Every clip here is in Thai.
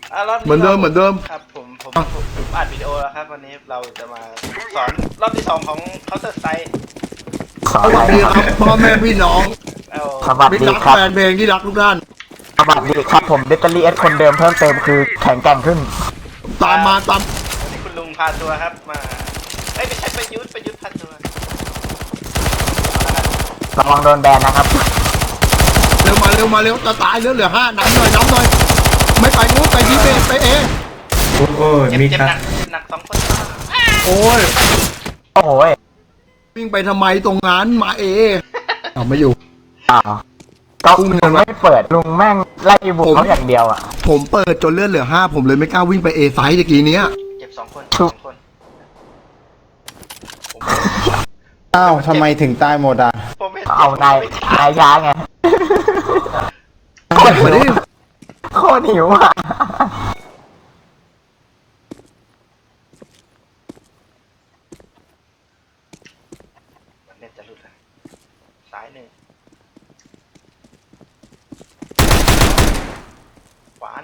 รอบนี้เหมือนเดิมครับผมอัดวิดีโอแล้วครับวันนี้เราจะมาสอนรอบที่2ของ Counter Strike สวัสดีครับพ่อแม่พี่น้องเอาสวัสมิตรดีรักครับแฟนเพลงที่รักทุกท่านสวัสดีครับผมเบตเตอรี่เอสคนเดิมเพิ่มเติมคือแข็งแกร่งขึ้นตามมาตามวันนี้คุณลุงพาตัวครับมาไม่ใช่ประยุทธ์พาตัวระวังโดนแบนนะครับเร็วมาเร็วจะตายเหลือ5น้ำหน่อยไม่ไปนู้นไปดีเบไปเอโอ้ยเจ็บมีเจ็บครับหนัก2 คนโอ้ยโอ้โหยวิ่งไปทำไมตรงนั้นมาเอเอาไม่อยู่อ้าวก็ลุงไม่เปิดลุงแม่งไล่บุกเขาอย่างเดียวอ่ะผมเปิดจนเลือดเหลือ5ผมเลยไม่กล้าวิ่งไปเอไซส์ตะกี้เนี้ยเจ็บ2 คนอ้าวทำไมถึงตายหมดอ่ะผมห็นเอานายช้าไงมาดิโคตรหิวอ่ะเน็ตจะหลุดแล้วซ้าย1ขวา1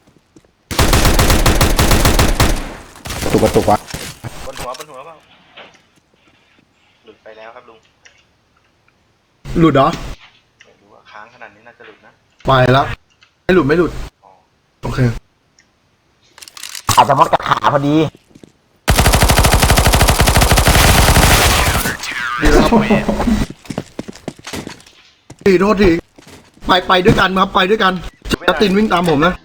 กระตุกวะบนหัวเปล่าหลุดไปแล้วครับลุงหลุดเหรอไม่รู้ว่าค้างขนาดนี้น่าจะหลุดนะไปแล้วไม่หลุดอ๋อโอเคอาจจะมดกับขาพอดีดีแล้วครับดีโทษทีไปด้วยกันครับไปด้วยกันจัสตินวิ่งตามผมนะ